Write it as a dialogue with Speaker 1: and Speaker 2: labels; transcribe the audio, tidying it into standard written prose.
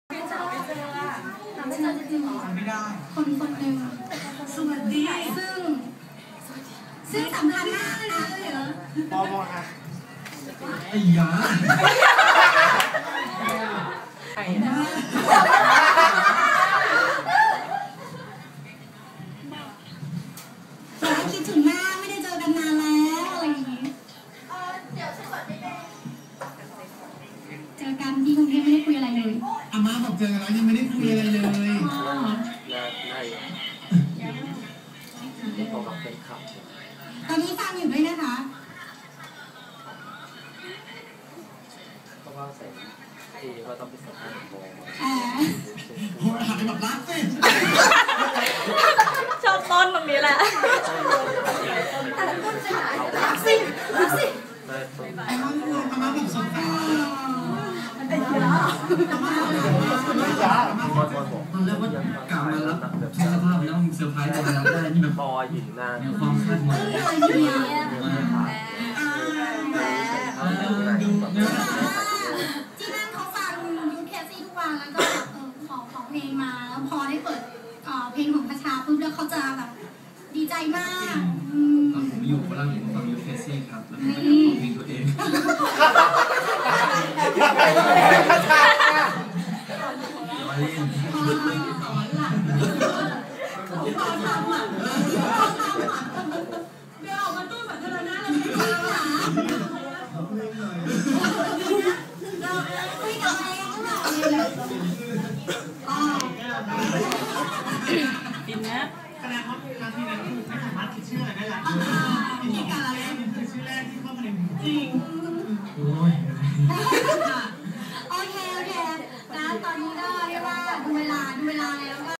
Speaker 1: ไม่เจออะหาไม่เจอจริงๆเหรอ
Speaker 2: ไม่ได้
Speaker 1: คนหนึ่ง
Speaker 2: สวัสดี
Speaker 1: ซึ่งสำคัญมากเลยนะเหรอ
Speaker 2: มอค่ะไอ้ยาไอ้นะ
Speaker 1: คิดถึงหน้าไม่ได้เจอกันนานแล้วอะไรอย่างนี้เดี๋ยวฉันขอได้ไหมเจอกันที่กรุงเทพไม่ได้คุยอะไรเลย
Speaker 2: อาม่าบอกเจอกันแล้วยังไม่ได้คุยอะไรเลย
Speaker 1: ตอนนี้ฟังอยู่ด้วยนะคะ
Speaker 3: ก็ว่าใส่ที่ว่าต้องเป็นสัมภาษณ์โบ
Speaker 2: โอ้ยหันไปแบบรักสิ
Speaker 4: ชอบต้นตรงนี้แหละ
Speaker 1: รักสิ
Speaker 2: ไอ้ม่าอาม่าแบบสงสาร
Speaker 1: มันเป็นเยอะ
Speaker 2: อาม่าตอนแรกว่ากลับมาแล้วทุกสภาพแล้วมึงเซอร์ไพรส์ตอนรับได้นี่แบบ
Speaker 3: พอหินนาน
Speaker 2: ความคาดหวัง
Speaker 1: ที่นั่นเขาฟังยูเคซี่ทุกวันแล้วก็ขอเพลงมาแล้วพอได้เปิดเพลงของคชาปุ๊บแล้วเขาจะแบบดีใจมาก
Speaker 2: ตอนผมอยู่ฝรั่งผมฟังยูเคซี่ครับแล้วผมก็อยากฟังเพลงตัวเองมาเล่น
Speaker 1: สอนหลังเขาพอทำอ่ะเดี๋ยวออกมาตู้แบบเธอหน้าเราไม่ฟังหรอเราคุยกับเองหรอ
Speaker 4: กินนะ
Speaker 2: แสดงว่าครั้งที่แล้วไม่สามารถคิดชื่ออะไรได้แล้วมีการอะไรคือชื่อแรกที่เข้ามาในหัวจริงโอ้ย
Speaker 1: โอเคนะตอนนี้ก็เรียกว่าดูเวลาแล้วก็